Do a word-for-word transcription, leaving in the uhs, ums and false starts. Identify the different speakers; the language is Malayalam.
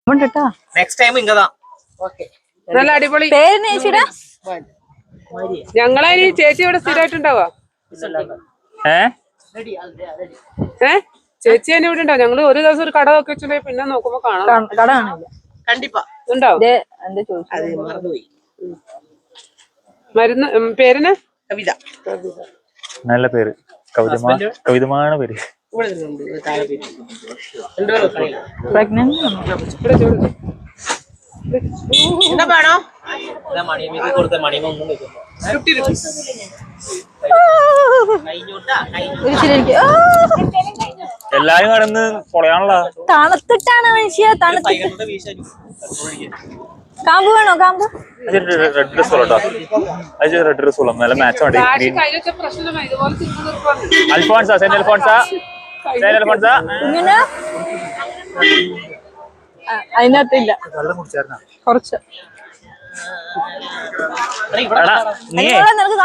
Speaker 1: Next time ഇങ്ങതാ.
Speaker 2: നല്ല അടിപൊളി. ഞങ്ങളെ ചേച്ചി ഇവിടെ സ്ഥിരമായിട്ടുണ്ടാവാ.
Speaker 3: ഏഹ്
Speaker 2: ഏഹ് ചേച്ചി തന്നെ ഇവിടെ ഉണ്ടാവും. ഞങ്ങള് ഒരു ദിവസം ഒരു കട ഒക്കെ വെച്ചിട്ടുണ്ടെങ്കിൽ പിന്നെ നോക്കുമ്പോ കാണാം.
Speaker 4: കട കാണില്ല.
Speaker 1: കണ്ടിപ്പാ
Speaker 2: ഉണ്ടാവും. മരുന്ന് പേരിന്
Speaker 1: കവിത.
Speaker 3: നല്ല പേര്. കവിതമാ കവിതമാണ് പേര്.
Speaker 1: എന്താ വേണോ? മണിമേക്ക് കൊടുത്ത മണിമ ഒന്നും ഫിഫ്റ്റി റുപ്പീസ്.
Speaker 3: എല്ലാരും കടന്ന് പൊളയാണല്ലോ.
Speaker 4: തണുത്തിട്ടാണ് മനുഷ്യ. തണുത്തിട്ട് കാമ്പ് വേണോ? കാമ്പ്
Speaker 3: റെഡ് ഡ്രസ് കേട്ടോ. അത് റെഡ് ഡ്രസ് ഉള്ള നല്ല മാച്ച് ഉണ്ട്. അൽഫോൺസ സെന്റ് അൽഫോൺസ സെന്റ് അൽഫോൺസ
Speaker 4: ഇങ്ങനെ അതിനകത്തില്ല കുറച്ച്.
Speaker 3: നീ
Speaker 4: നിനക്ക്